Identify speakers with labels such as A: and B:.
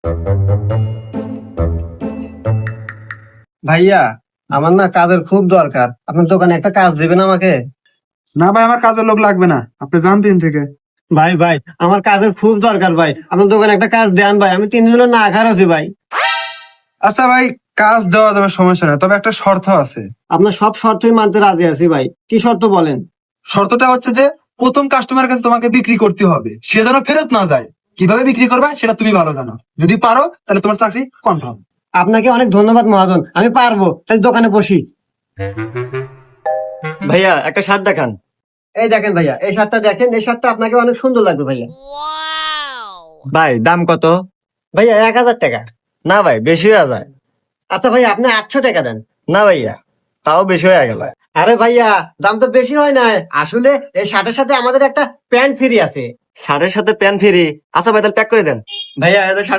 A: ভাইয়া, আমার না কাজের খুব দরকার, আপনার দোকানে একটা কাজ দিবেন আমাকে?
B: না ভাই, আমার কাজের লোক লাগবে না, আপনি যান 3 থেকে।
A: ভাই ভাই, আমার কাজের খুব দরকার ভাই, আপনার দোকানে একটা কাজ দেন ভাই, আমি 3 দিন হলো না খার আছি ভাই।
B: আচ্ছা ভাই, কাজ দেওয়া যাবে, সমস্যা না, তবে একটা শর্ত আছে।
A: আপনার সব শর্তই মানতে রাজি আছি ভাই, কি শর্ত বলেন?
B: শর্তটা হচ্ছে যে প্রথম কাস্টমারের কাছে তোমাকে বিক্রি করতে হবে, সে যেন ফেরত না যায়। কিভাবে বিক্রি করবে সেটা তুমি ভালো জানো, যদি পারো তাহলে তোমার চাকরি কনফার্ম।
A: আপনাকে অনেক ধন্যবাদ মহাজন, আমি পারবো, তাই দোকানে বসি। ভাইয়া একটা শার্ট দেখান। এই দেখেন ভাইয়া, এই শার্টটা দেখেন, এই শার্টটা আপনাকে অনেক সুন্দর লাগবে ভাইয়া।
C: ভাই দাম কত?
A: ভাইয়া 1000 টাকা।
C: না ভাই, বেশি হয়ে যায়।
A: আচ্ছা ভাইয়া, আপনি 800 টাকা দেন।
C: না ভাইয়া, তাও বেশি হয়ে গেল।
A: আরে ভাইয়া, দাম তো বেশি হয় না, আসলে এই শার্টের সাথে আমাদের একটা প্যান্ট ফ্রি আছে।
C: শার্টের সাথে প্যান্ট ফ্রি? আচ্ছা ভাই, তাহলে প্যাক করে দেন।
A: ভাইয়া